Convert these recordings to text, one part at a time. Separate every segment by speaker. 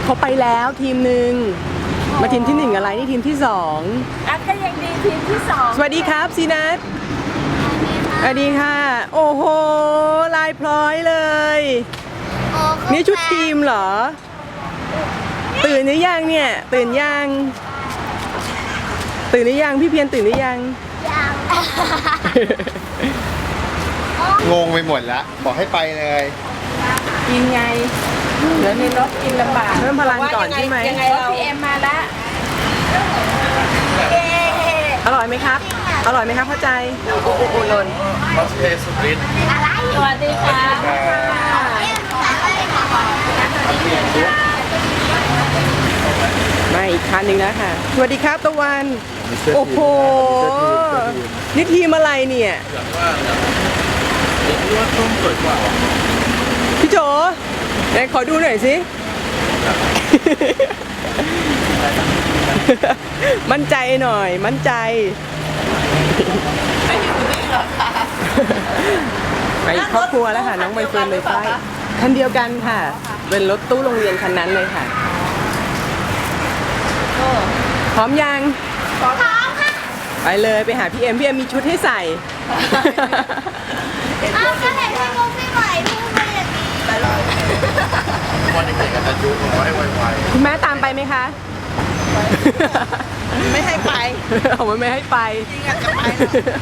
Speaker 1: เขาไปแล้วทีมหนึ่งมาทีมที่1อะไรนี่ทีมที่2
Speaker 2: อันก็ยังดีทีมที่2
Speaker 1: สวัสดีครับซีนัทสวัสดีค่ะโอ้โหลายพร้อยเลยนี่ชุดทีมเหรอตื่นหรือยังเนี่ยตื่นยังตื่นหรือยังพี่เพียรตื่นหรือยัง
Speaker 3: งงไปหมดละบอกให้ไปเลย
Speaker 2: กินไงเดี๋ยวในรถกินลำบาก
Speaker 1: เพิ่มพลังก่อนใช่ไหม
Speaker 2: ยังไงเราพี่เอ็มมาละ
Speaker 1: อร่อยไหมครับอร่อยไหมครับเข้าใจโอ้โหหล่น
Speaker 3: คอสเพย์สุดฤทธิ์
Speaker 2: สวัสดีค่ะ
Speaker 1: มาอีกคันหนึ่งแล้วค่ะสวัสดีครับตะวันโอ้โหนี่ทีมอะไรเนี่ย
Speaker 3: ว่าต้มสวยกว่า
Speaker 1: พี่โจไหนขอดูหน่อยสิมั่นใจหน่อยมั่นใจไปครอบครัวแล้วค่ะน้องใบเฟิร์นเลยไฟคันเดียวกันค่ะเป็นรถตู้โรงเรียนคันนั้นเลยค่ะพร้อมยัง
Speaker 2: พร้อมค่ะ
Speaker 1: ไปเลยไปหาพี่เอ็มมีชุดให้ใส่
Speaker 2: อ้าวก็เห็นพี่มุกพี่ใหม่พูดมาอย่างนี้
Speaker 3: วันเด็กๆกันจะยุขอให้ไว
Speaker 1: ๆคุณแม่ตามไปไหมคะ
Speaker 2: ไม่ให้ไป
Speaker 1: เอาไม่ให้ไป
Speaker 2: จริงอยากจะไป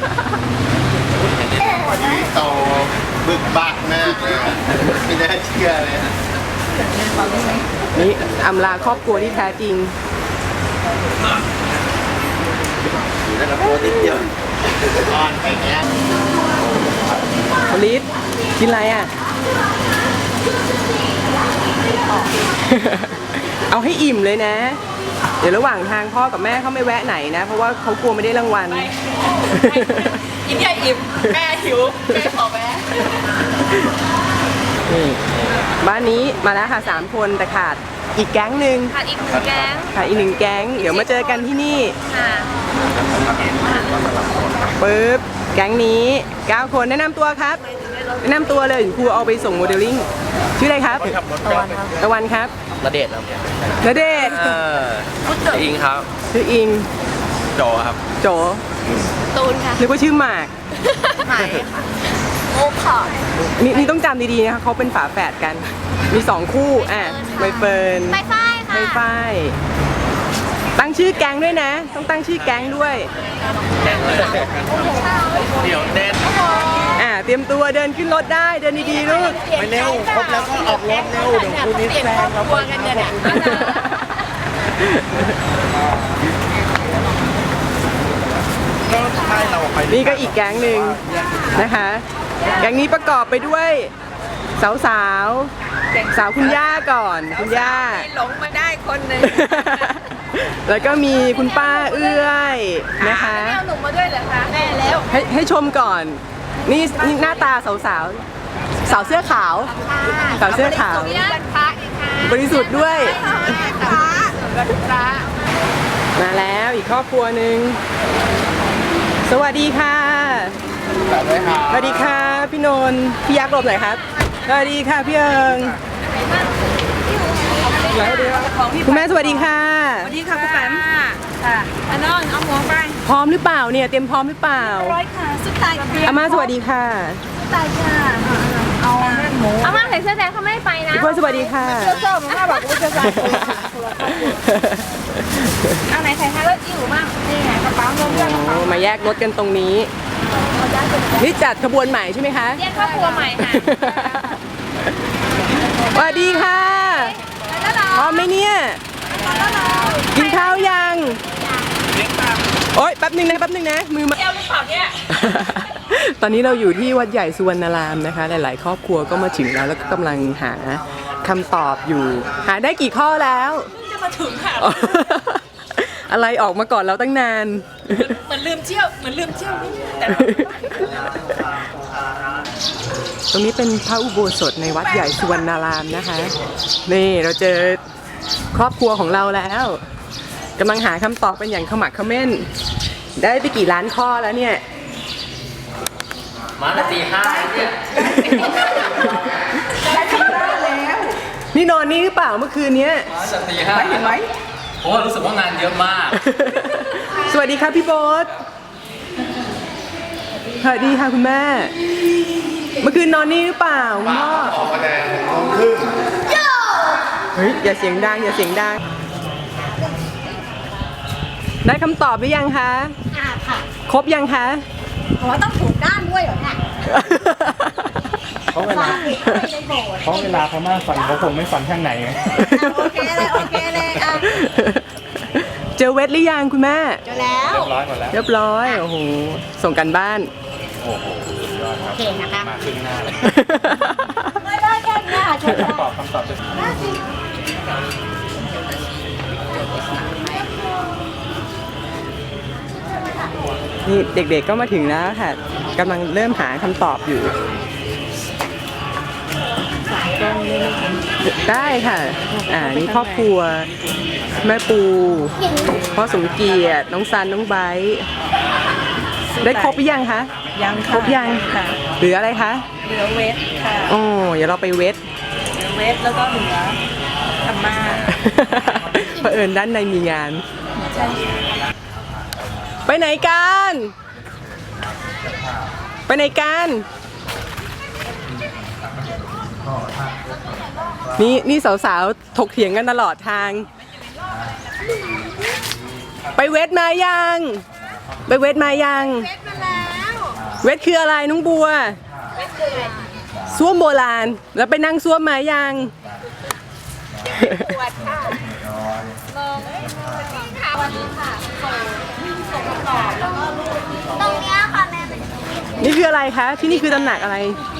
Speaker 3: โตบึกบักมากเลยไม่น่าเชื่อเลย
Speaker 1: นี่อำลาครอบครัวที่แท้จริง
Speaker 3: อยู่ในระบบนิดเดียวอ่อนไปแง่
Speaker 1: ลิศกินอะไรอ่ะเอาให้อิ่มเลยนะเดี๋ยวระหว่างทางพ่อกับแม่เขาไม่แวะไหนนะเพราะว่าเขากลัวไม่ได้รางวัล
Speaker 2: กินใหญ่อิ่มแม่หิวแม่ขอแวะ
Speaker 1: บ้านนี้มาแล้วค่ะ3คนแต่ขาดอีกแก๊งหนึ่ง
Speaker 2: ขาดอีก1แก๊ง
Speaker 1: ขาดอีก1แก๊งเดี๋ยวมาเจอกันที่นี่
Speaker 2: ค่ะ
Speaker 1: ปึ๊บแก๊งนี้9คนแนะนำตัวครับแนะนำตัวเลยครูเอาไปส่งโมเดลลิ่งชื่ออะไรครับตะวันครับ
Speaker 4: ณเดชน์ครับ
Speaker 1: ณเดชน์
Speaker 4: อิงครับ
Speaker 1: ชื่ออิง
Speaker 4: โจครับ
Speaker 1: โจ
Speaker 2: ตูนค่ะ
Speaker 1: นึกว่าชื่อหมาก
Speaker 2: หมายโอ้ค่ะ
Speaker 1: นี่ต้องจำดีๆนะคะเขาเป็นฝาแฝดกันมี2คู่ใบเฟิร์น
Speaker 2: ใบฝ้ายค่ะ
Speaker 1: ใบฝ้ายตั้งชื่อแก๊งด้วยนะต้องตั้งชื่อแก๊งด้วย
Speaker 4: เดี๋ยวเด่น
Speaker 1: เตรียมตัวเดินขึ้นรถได้เดินดีๆลูก
Speaker 3: ไปเร็วครบแล้วก็ออกรถเร็วเดี๋ยวคุณนิดแซงเรา
Speaker 2: กลัวกันเนี่ย
Speaker 1: นี่ก็อีกแก๊งหนึ่งนะคะแก๊งนี้ประกอบไปด้วยสาวคุณย่าก่อนคุณย่า
Speaker 2: หลงมาได้คนหนึ่ง
Speaker 1: แล้วก็มีคุณป้าเอื้อยนะคะ
Speaker 2: แม่เอาหนุ่มมาด้วยเหรอคะแม่แล้ว
Speaker 1: ให้ชมก่อนนี่หน้าตาสาวเสื้อขาวสาวเสื้อขาวบริสุทธิ์ด้วยมาแล้วอีกครอบครัวหนึ่งสวัสดีค่ะสวัสดีค่ะพี่นนท์พี่ยักษ์หลบหน่อยครับสวัสดีค่ะพี่เอิงคุณแม่สวัสดีค่ะ
Speaker 2: สวัสดีค่ะคุณแม่ค่ะอันนอนเอาหมวกไป
Speaker 1: พร้อมหรือเปล่าเนี่ยเตรียมพร้อมหรือเปล่า
Speaker 2: ร้อยค่ะสุดท้าย
Speaker 1: อาม่าสวัสดีค่ะ
Speaker 2: สุดท้ายค่ะเอาหมูอาม่าใส่เสื้อแดงเขาไม่ไปนะ
Speaker 1: พี่เพื่อนสวัสดีค่ะ
Speaker 2: เสื้อส้มอาม่าบอกว่าจะใส่เอาไหนใส่ให้รถอิ่วมั่งนี่ไงกระเป๋าเงินเพื่อนกระเป๋า
Speaker 1: มาแยกรถกันตรงนี้นี่จัดขบวนใหม่ใช่ไหมคะ
Speaker 2: แยกครอบครัวใหม่ค่ะ
Speaker 1: สวัสดีค่ะพร้อมไหมเนี่ยกินข้าวยังโอ๊ยแป๊บนึงนะมือมาตอนนี้เราอยู่ที่วัดใหญ่สุวรรณารามนะคะหลายๆครอบครัวก็มาถึงแล้วก็กำลังหาคำตอบอยู่หาได้กี่ข้อแล้ว
Speaker 2: จะมาถึงค่ะ
Speaker 1: อะไรออกมาก่อนเราตั้งนาน
Speaker 2: เหมือนลืมเที่ยวแต่
Speaker 1: ตรงนี้เป็นพระอุโบสถในวัดใหญ่สุวรรณารามนะคะนี่เราเจอครอบครัวของเราแล้วกำลังหาคำตอบเป็นอย่างขมักเขม้นได้ไปกี่ล้านข้อแล้วเนี่ย
Speaker 4: มาละ4-5เนี่ย
Speaker 1: นนี่นอนนี่หรือเปล่าเมื่อคืนเนี้ย
Speaker 5: มาจากตีห้า
Speaker 1: เห็นไหม
Speaker 5: เพราะว่ารู้สึกว่างานเยอะมาก
Speaker 1: สวัสดีครับพี่โบ๊ทสวัสดีค่ะคุณแม่ เมื่อคืนนอนนี่หรือเปล่าคุณพ่อ
Speaker 3: ออกมาแดง6:30
Speaker 1: เฮ้ยอย่าเสียงดังอย่าเสียงดัง ได้คำตอบหรือยังคะ
Speaker 2: ค่ะ
Speaker 1: ครบยังคะ
Speaker 2: อ๋อต้องถูกด้านด้วยเหรอเนี่ย
Speaker 6: เพราะเวลาพม่าฝันเขาคงไม่ฝันข้างไหนไง
Speaker 2: โอเคเลยโอเคเลยอ่ะ
Speaker 1: เจอเวทหรือยังคุณแม่
Speaker 2: เจอแล้ว
Speaker 6: ร้อยหมดแล้ว
Speaker 1: เรียบร้อยโอ้โหส่งกันบ้าน
Speaker 6: โอ้โหสุดยอดครับ
Speaker 2: โอเคนะคะ
Speaker 6: มาครึ่งหน้าเลย
Speaker 2: ไม่ได้แค่เนี้ยชม
Speaker 6: คำตอบจะ
Speaker 1: นี่เด็กๆก็มาถึงแล้วค่ะกำลังเริ่มหาคำตอบอยู่ ได้ค่ะ นี่ครอบครัว แม่ปูพ่อสมเกียรติน้องซันน้องไบร์ทได้ครบหรือยังคะ
Speaker 7: ยัง
Speaker 1: ครบยัง
Speaker 7: ค่ะ
Speaker 1: เหลืออะไรคะ
Speaker 7: เหลือเวทค่ะ
Speaker 1: โอ้เดี๋ยวเราไปเวท
Speaker 7: เหลือเวทแล้วก็เหลือธรรมา
Speaker 1: เผอิญด้านในมีงาน
Speaker 7: ใช่
Speaker 1: ไปไหนกัน ไปไหนกัน นี่สาวๆถกเถียงกันตลอดทาง ไปเวทมายัง ไปเวทมายัง เวทคืออะไรน้องบัวส้วมโบราณ แล้วไปนั่งส้วมมายัง
Speaker 2: ตรงเนี้ยค่ะแม่เป็น
Speaker 1: นี่คืออะไรคะ ที่นี่คือตำหนักอะไร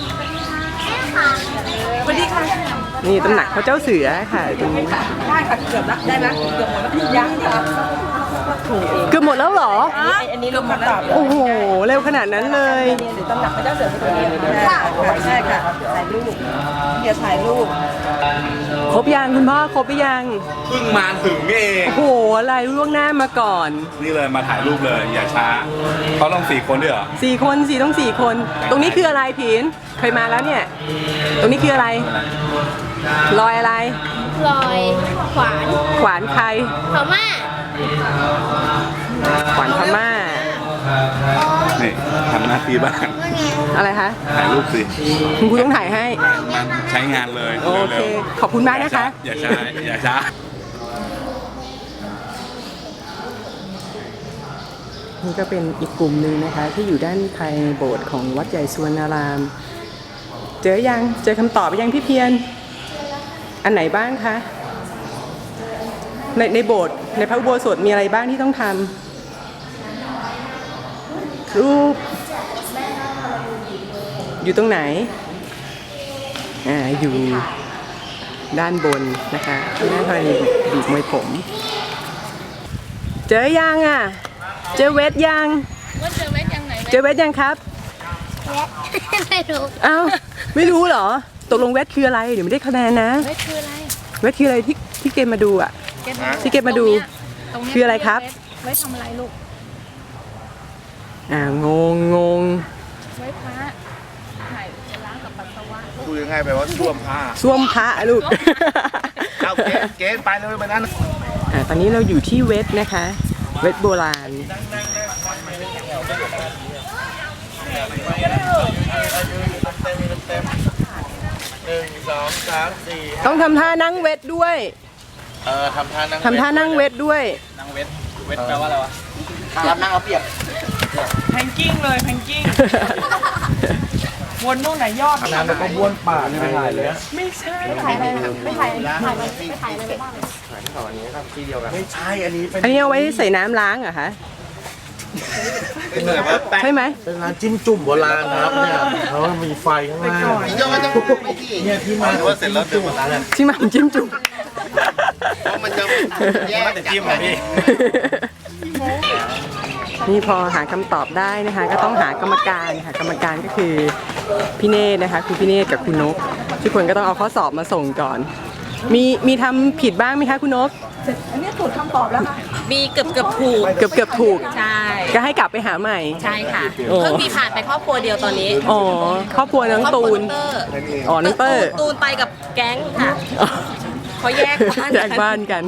Speaker 7: สวัสดีค่ะ
Speaker 1: นี่ตำหนักพระเจ้าเสือค่ะตรงนี้
Speaker 7: ได้ค่ะเกือบละได้ไหมเกือบหมดแล้วยังค่ะ
Speaker 1: เกือบหมดแล้วเหรอ
Speaker 7: อันนี้ลงมาตอบ
Speaker 1: โอ้โห เร็วขนาดนั้นเลย
Speaker 7: หรือตำหนักพระเจ้าเสือเป็นตัวนี้ค่ะใช่ค่ะถ่ายรูปเดี๋ยวถ่ายรูป
Speaker 1: ครบยังคุณพ่อครบหรือยัง
Speaker 6: เพิ่งมาถึงนี่เอง
Speaker 1: โอ้โห อะไรล่วงหน้ามาก่อน
Speaker 6: นี่เลยมาถ่ายรูปเลยอย่าช้าเขาลง4 คนด้วยเหรอ
Speaker 1: 4 คนต้อง 4 คน ตรงนี้คืออะไรผินเคยมาแล้วเนี่ย ตรงนี้คืออะไร รอยอะไร
Speaker 2: ลอยขวาน
Speaker 1: ขวานใคร
Speaker 2: พม่า
Speaker 1: ขวานพม่า
Speaker 6: นี่ทำหน้าที่บ้าง
Speaker 1: อะไรคะ
Speaker 6: ถ่ายรูปสิ
Speaker 1: คุณครูต้องถ่ายให้
Speaker 6: มันใช้งานเลย
Speaker 1: โอเค
Speaker 6: เร็ว
Speaker 1: ขอบคุณมากนะคะ
Speaker 6: อย่าช้าอย่าช้า
Speaker 1: นี่ก็เป็นอีกกลุ่มหนึ่งนะคะที่อยู่ด้านภายในโบสถ์ของวัดใหญ่สุวรรณาราม เจอยังเจอคำตอบยังพี่เพียรอันไหนบ้างคะในโบสถ์ในพระอุโบสถมีอะไรบ้างที่ต้องทำรูปอยู่ตรงไหนอยู่ด้านบนนะคะด้านภายในบีบมวยผม เจอยังเจอเวทยัง
Speaker 2: ว่าเจอเวทยังไหน
Speaker 1: เจอเวทยังครับ
Speaker 2: ไม่รู้
Speaker 1: อ้าวไม่รู้เหรอตกลงเวทคืออะไรเดี๋ยวไม่ได้คะแนนนะ
Speaker 2: เวทคืออะไร
Speaker 1: เวทคืออะไรที่เกมมาดูอ่ะที่เกมมาดู
Speaker 2: ตรงเนี้ย
Speaker 1: คืออะไรครับ
Speaker 2: เวททำอะไรลูก
Speaker 1: งง
Speaker 2: เวทพระถ่ายล้างกับปัสสาวะ
Speaker 3: พูดง่ายๆไปว่าท่วมผ้า
Speaker 1: ส้วมพระลูก
Speaker 3: เอาเกณฑ์ไปเลยไปนั้น
Speaker 1: ตอนนี้เราอยู่ที่เวทนะคะ เวทโบราณต้องทำท่านั่งเวทด้วย
Speaker 3: ทำท่านั่ง
Speaker 1: ทำท่านั่งเวทด้วย
Speaker 6: นั่งเวทแปลว่าอะไรวะ
Speaker 3: ครับนั่งเอาเปรียบ
Speaker 7: แพนกิ้งเลยแพนกิ้งวนนู่นไหนยอด
Speaker 6: น้ำแล้วก็บ้วนปากไม่ถ่ายเลย
Speaker 7: ไม่ใช่
Speaker 3: ไม่ใช่อันนี้เป็น
Speaker 1: อันนี้เอาไว้ใส่น้ำล้างเหรอคะ
Speaker 3: เป็นแบบว่าแป้ง
Speaker 1: ใช่ไหม
Speaker 3: เป็นร้านจิ้มจุ่มโบราณนะครับเนี่ยเขามีไฟข้างล่างพี่โจ้จะไม่ที่เนี่ยที่มาว่าเสร็จแล้วเดินหมดแล้ว
Speaker 1: ที่มาจิ้มจุ่ม
Speaker 3: เพราะมันจะแยกจากจิ้มพี่
Speaker 1: นี่พอหาคำตอบได้นะคะก็ต้องหากรรมการค่ะกรรมการก็คือพี่เนตรนะคะคุณพี่เนตรกับคุณนกทุกคนก็ต้องเอาข้อสอบมาส่งก่อนมีทำผิดบ้างไหมคะคุณนก
Speaker 2: มีเกือบถูก
Speaker 1: เกือบถูก
Speaker 2: ใช่
Speaker 1: ก็ให้กลับไปหาใหม่
Speaker 2: ใช่ค่ะ
Speaker 1: โอ้
Speaker 2: เพิ่งมีผ่านไปครอบครัวเดียวตอนนี้
Speaker 1: อ๋อครอบครัวน้องตูน
Speaker 2: ครอบครัว
Speaker 1: อ๋อน้องเตอร์
Speaker 2: ตูนไปกับแก๊งค่ะเขาแยกบ้าน
Speaker 1: แยกบ้านกัน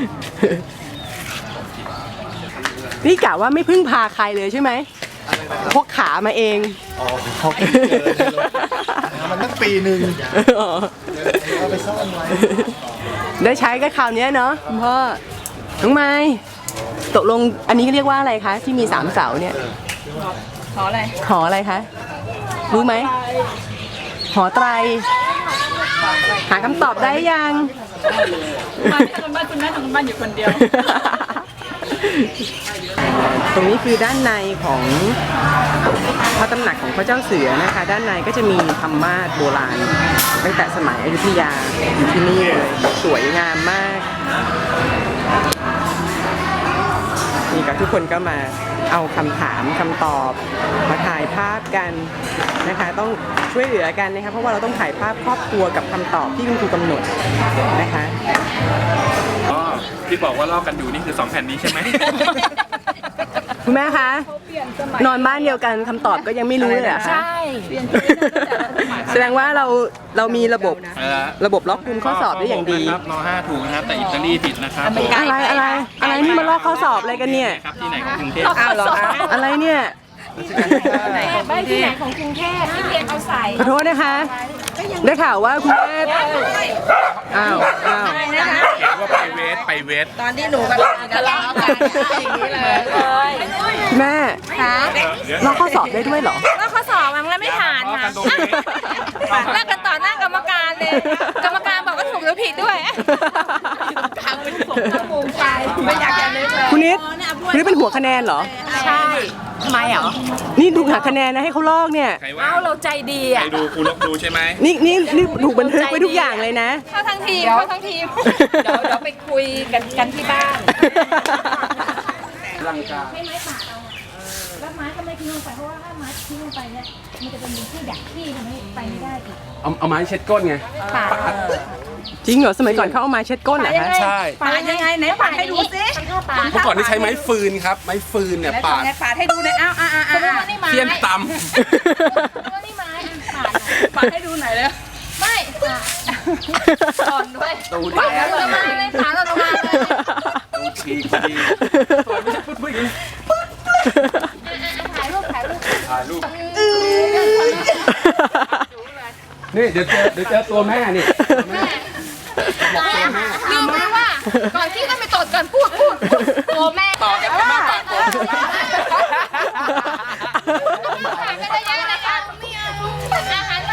Speaker 1: นี่กะว่าไม่พึ่งพาใครเลยใช่ไหมพกขามาเอง
Speaker 3: อ๋อเขาเจอมันตั้งปีหนึ่ง
Speaker 1: อ๋อ
Speaker 3: เอาไปซ่อนไว้
Speaker 1: ได้ใช้ก็คราวเนี้ยเนาะคุณพ่อ น้องไม้ตกลงอันนี้เรียกว่าอะไรคะ ที่มี3เสาเนี่ย
Speaker 2: ขออะไร
Speaker 1: หออะไรคะ รู้ไหม หอไตร หาคำตอบได้ยัง
Speaker 7: มาที่ทำบ้านคุณแม่ทำบ้านอยู่คนเดียว
Speaker 1: ตรงนี้คือด้านในของพระตำหนักของพระเจ้าเสือนะคะ ด้านในก็จะมีธรรมาสน์โบราณ ตั้งแต่สมัยอยุธยาอยู่ที่นี่เลยสวยงามมากนี่ก็ทุกคนก็มาเอาคำถามคำตอบมาถ่ายภาพกันนะคะ ต้องช่วยเหลือกันนะคะเพราะว่าเราต้องถ่ายภาพครอบครัวกับคำตอบที่คุณครูกำหนดนะคะ
Speaker 6: อ๋อที่บอกว่าลอกกันอยู่นี่คือ2แผ่นนี้ใช่ไหม
Speaker 1: คุณแม่คะนอนบ้านเดียวกันคำตอบก็ยังไม่รู้เลยเหรอคะ
Speaker 2: ใช่
Speaker 1: แสดงว่าเรามีระบบล็อกคุมข้อสอบได้อย่างดี
Speaker 6: ครับน5ถูกนะครับแต่อิตาลีผิดนะครับ
Speaker 1: อะไรนี่มาลอกข้อสอบอะไรกันเนี่ย
Speaker 6: ครับที่ไหนของกรุงเทพ
Speaker 2: อ้าวเหรอคะ
Speaker 1: อะไรเนี่ย
Speaker 2: บ้านที่ไหนของกรุงเทพที่เรียนเอาใส่
Speaker 1: ขอโทษนะคะ ได้ข่าวว่าคุณแม่อ้าว
Speaker 6: เห็นว่าไปเวท
Speaker 2: ตอนที่หนูกับทะเลาะกันอย่างนี้เลย
Speaker 1: คุณแม่ลอกข้อสอบได้ด้วยเหรอ
Speaker 2: แล้วข้อสอบมันแล้วไม่ผ่านค่ะแลกกันต่อหน้ากรรมการเลย กรรมการบอกว่าถูกหรือผิดด้วยทำเป็นผมตั้งมุมใจไม่อยากจะนึกเลย
Speaker 1: คุณนิดเป็นหัวคะแนนเหรอ
Speaker 2: ใช่ทำไมเหรอ
Speaker 1: นี่ถูกหักคะแนนนะให้เขาลอกเนี่ย
Speaker 6: ใครว่า
Speaker 2: เอ้าเราใจดี
Speaker 6: ใคร
Speaker 2: อ่ะ
Speaker 6: ดูครูลบดูใช่ไหม
Speaker 1: นี่ถูกบันทึกไว้ทุกอย่างเลยนะ
Speaker 2: เข้าทั้งทีมเข้าทั้งทีมเดี๋ยวไปคุยกันที่บ้าน
Speaker 6: ร่างกาย
Speaker 8: แล้วไม้ก็ไม่ทิ้งลงไปเพราะว่าถ้าไม้ทิ้งลงไปเนี่ยมันจะเป็นที่ดักที่ทำให้ไปไม่ได้อีก
Speaker 5: เอาไม้เช็ดก้นไง
Speaker 1: จริงเหรอสมัยก่อนเขาเอามาเช็ดก้นเหรอคะ
Speaker 5: ใช่
Speaker 2: ปาดยังไงไหนปาดให้ดูสิ
Speaker 5: เมื่อก่อนที่ใช้ไม้ฟืนครับ ไม้ฟืนเนี่ยปาด
Speaker 2: ปาดให้ดูเลยอ้าวสมมติว่านี่ไม้
Speaker 5: เทียนต
Speaker 8: ว่านี่ไม้ปาด
Speaker 2: ปาดให้ดูหน่อยเลย
Speaker 8: ไม่ปาด
Speaker 2: อ่อนด้วย
Speaker 5: ำตู
Speaker 2: ปาดเราลงมาเลยปาดเราลงมาเลย
Speaker 5: ตูฉีกดีตัวไม่ใช่ปุ๊บอย่างนี้
Speaker 8: ถ่ายรูป
Speaker 5: ถ่ายรูปนี่เดี๋ยวเจอตัวแม่นี่
Speaker 2: ลืมไปว่า ก่อนที่จะไปตดก่อนพูดโอ้แม่
Speaker 5: ต่อจากแม่ปากตัว